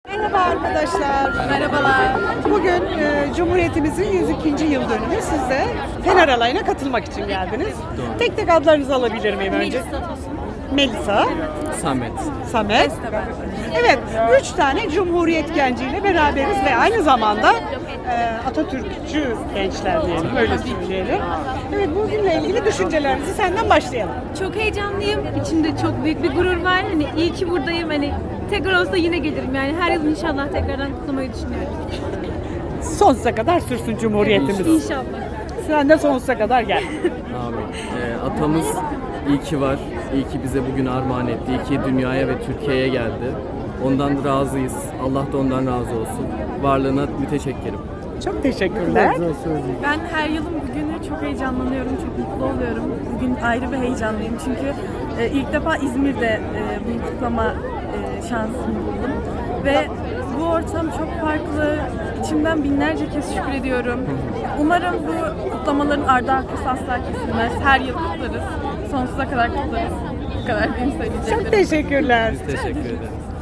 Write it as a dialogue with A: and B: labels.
A: Merhaba arkadaşlar. Merhabalar. Bugün Cumhuriyetimizin 102. yıl dönümü. Siz de Fener Alayı'na katılmak için geldiniz. Tek tek adlarınızı alabilir miyim önce? Melisa,
B: Samet.
A: Samet. Evet, 3 tane Cumhuriyet genciyle beraberiz ve aynı zamanda Atatürkçü gençler diyelim, öyle söyleyelim. Evet, bugünle ilgili düşüncelerinizi senden başlayalım.
C: Çok heyecanlıyım. İçimde çok büyük bir gurur var. Hani iyi ki buradayım. Hani tekrar olsa yine gelirim. Yani her yıl inşallah tekrardan kutlamayı düşünüyorum.
A: Sonsuza kadar sürsün Cumhuriyetimiz.
C: İnşallah.
A: Sen de sonsuza kadar gel.
B: Amin. Atamız iyi ki var. İyi ki bize bugün armağan etti. İyi ki dünyaya ve Türkiye'ye geldi. Ondan razıyız. Allah da ondan razı olsun. Varlığına müteşekkirim.
A: Çok teşekkürler.
D: Ben her yılın bugünü çok heyecanlanıyorum, çok mutlu oluyorum. Bugün ayrı bir heyecanlıyım çünkü ilk defa İzmir'de bunu kutlama şansını buldum. Ve bu ortam çok farklı. İçimden binlerce kez şükür ediyorum. Umarım bu kutlamaların ardı arkası asla kesilmez. Her yıl kutlarız. Sonsuza kadar kutlarız. Bu kadar benim söyleyeceklerim.
A: Çok teşekkürler.
B: Biz teşekkür ederiz.